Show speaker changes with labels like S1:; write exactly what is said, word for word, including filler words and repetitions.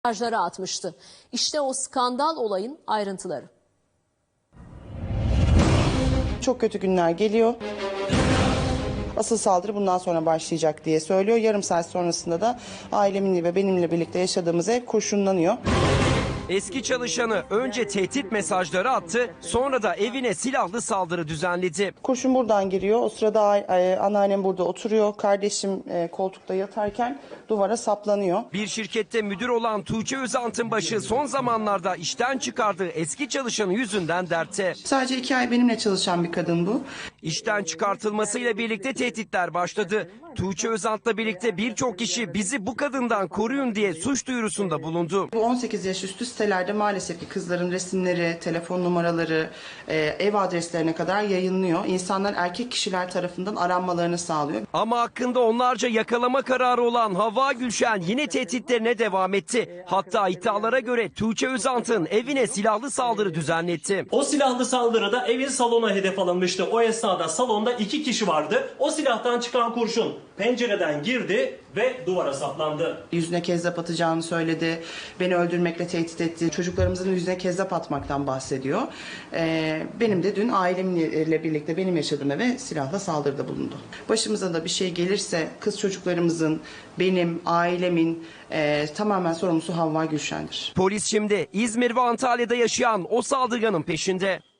S1: mesajları atmıştı. İşte o skandal olayın ayrıntıları.
S2: Çok kötü günler geliyor. Asıl saldırı bundan sonra başlayacak diye söylüyor. Yarım saat sonrasında da ailemin ve benimle birlikte yaşadığımız ev kurşunlanıyor.
S3: Eski çalışanı önce tehdit mesajları attı, sonra da evine silahlı saldırı düzenledi.
S2: Kurşun buradan giriyor. O sırada e, anneannem burada oturuyor. Kardeşim e, koltukta yatarken duvara saplanıyor.
S3: Bir şirkette müdür olan Tuğçe Özant'ın başı son zamanlarda işten çıkardığı eski çalışanı yüzünden dertte.
S2: Sadece iki ay benimle çalışan bir kadın bu.
S3: İşten çıkartılmasıyla birlikte tehditler başladı. Tuğçe Özant'la birlikte birçok kişi bizi bu kadından koruyun diye suç duyurusunda bulundu.
S2: Bu on sekiz yaş üstü sitelerde maalesef ki kızların resimleri, telefon numaraları, e, ev adreslerine kadar yayınlıyor. İnsanlar erkek kişiler tarafından aranmalarını sağlıyor.
S3: Ama hakkında onlarca yakalama kararı olan Havva Gülşen yine tehditlerine devam etti. Hatta iddialara göre Tuğçe Özant'ın evine silahlı saldırı düzenletti.
S4: O silahlı saldırıda evin salona hedef alınmıştı. O esnada salonda iki kişi vardı. O silahtan çıkan kurşun pencereden girdi ve duvara saplandı.
S2: Yüzüne kezzap atacağını söyledi. Beni öldürmekle tehdit etti. Çocuklarımızın yüzüne kezzap atmaktan bahsediyor. Ee, benim de dün ailemle birlikte benim yaşadığım eve silahla saldırıda bulundu. Başımıza da bir şey gelirse kız çocuklarımızın, benim, ailemin e, tamamen sorumlusu Havva Gülşen'dir.
S3: Polis şimdi İzmir ve Antalya'da yaşayan o saldırganın peşinde.